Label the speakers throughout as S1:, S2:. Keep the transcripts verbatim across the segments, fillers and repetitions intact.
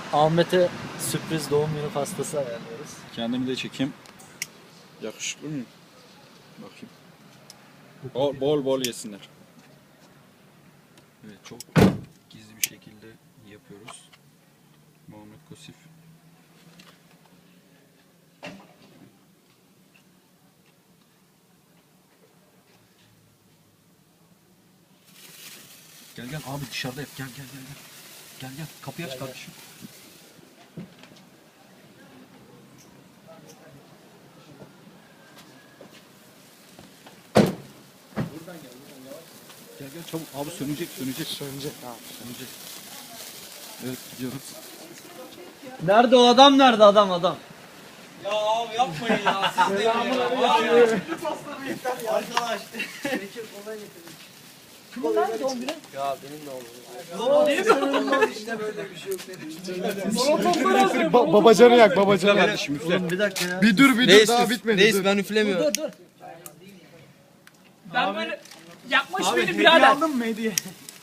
S1: Ahmet'e sürpriz doğum günü pastası ayarlıyoruz.
S2: Kendimi de çekeyim. Yakışıklı mıyım? Bakayım. Bol bol, bol yesinler. Evet, çok gizli bir şekilde yapıyoruz. Muhammed Kosif. Gel gel abi, dışarıda yap. Gel gel gel gel. Gel gel, kapıyı aç kardeşim. Gel gel çabuk abi, sönecek sönecek.
S3: Sönecek abi.
S2: Sönecek. Evet, gidiyoruz.
S1: Nerede o adam, nerede adam adam?
S4: Ya abi yapmayın ya. Siz de ya. Arkadaş.
S1: Kimin lan doğum günü?
S4: Ya benim de oldu. İşte böyle bir şey yok dedim.
S3: Ba babacanı yak babacanı.
S2: Kardeşim üfle.
S1: Oğlum bir dakika ya.
S3: Bir dur bir dur
S4: Reis,
S3: daha bitmedi.
S4: reis
S3: dur.
S4: ben üflemiyorum.
S1: Dur dur.
S5: Ben böyle yapmış beni birader.
S3: mı hediye?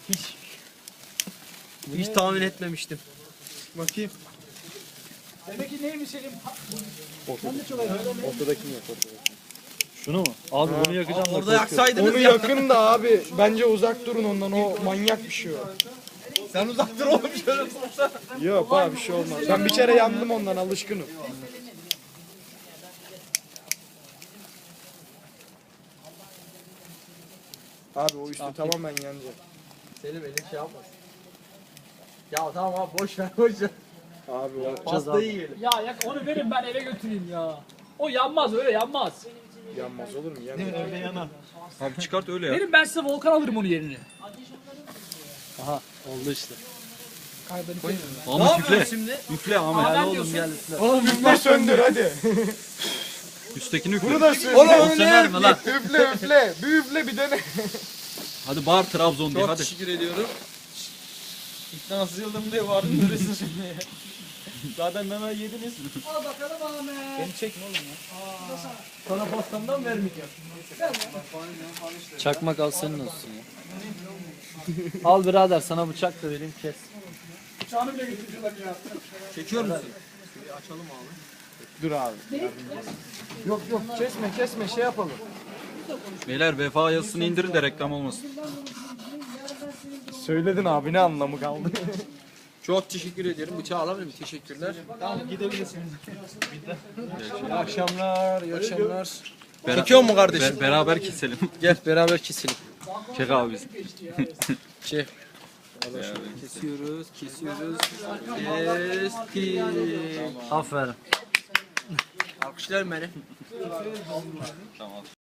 S4: Hiç tahmin etmemiştim.
S3: Bakayım.
S5: Demek ki neymiş Selim?
S3: Ortadakini yak ortadakini.
S1: Şunu mu? Abi bunu yakacağım da
S4: Orada
S1: korkuyorum.
S4: yaksaydınız
S3: Onu
S4: ya.
S3: yakın da abi. Bence uzak durun ondan. O manyak bir şey o.
S4: Sen uzak dur oğlum şöyle tutsana.
S3: Yok abi bir şey olmaz. Ben bir kere yandım ondan, alışkınım. Abi o üstü tamamen yanacak.
S4: Selim elin şey yapmasın. Ya tamam abi boş ver boş ver.
S3: Abi o
S4: Pastayı yiyelim.
S5: Ya yak onu verin ben eve götüreyim ya. O yanmaz öyle yanmaz.
S3: yanmaz olur mu? Yanmaz.
S2: Abi çıkart öyle ya.
S5: Verin ben size Volkan alırım onun yerine.
S1: Aha oldu işte.
S4: Ne
S2: Ahmet üfle.
S4: yapıyorsun şimdi?
S2: Üfle Ahmet.
S5: Ben
S1: Oğlum
S5: diyorsun.
S1: gel üstüne.
S3: Oğlum üfle söndür hadi.
S2: Üsttekini üfle.
S3: Bunu da söndür.
S4: Oğlum
S1: O söner mi lan?
S3: Üfle üfle. Bir üfle bir dene.
S2: Hadi bağır Trabzon diye
S4: Çok
S2: hadi.
S4: teşekkür ediyorum. İknasız yıldım diye vardın duruyorsun şimdi. Zaten meme yediniz.
S5: Al bakalım Ahmet.
S4: Beni çekme oğlum ya. Sana pastamdan vermeyeceğim.
S1: Çakmak al senin olsun ya. Al birader sana bıçak da vereyim kes.
S5: Bıçağını bile götürüyorlar ya.
S4: Çekiyor musun?
S3: Dur abi. Yok yok kesme kesme şey yapalım.
S2: Beyler vefa yazısını indirin de reklam olmasın.
S3: Söyledin abi, ne anlamı kaldı?
S4: Çok teşekkür ederim. Bıçağı alamıyorum. Teşekkürler. Tamam gidebilirsiniz. İyi akşamlar. İyi akşamlar.
S2: Bera-
S4: Çekiyor mu kardeşim?
S2: Be- beraber keselim.
S4: Gel beraber keselim.
S2: Çek abi bizi.
S4: Çek. Kesiyoruz, kesiyoruz. Kestik.
S1: Aferin.
S4: Alkışlar beni.
S2: Tamam.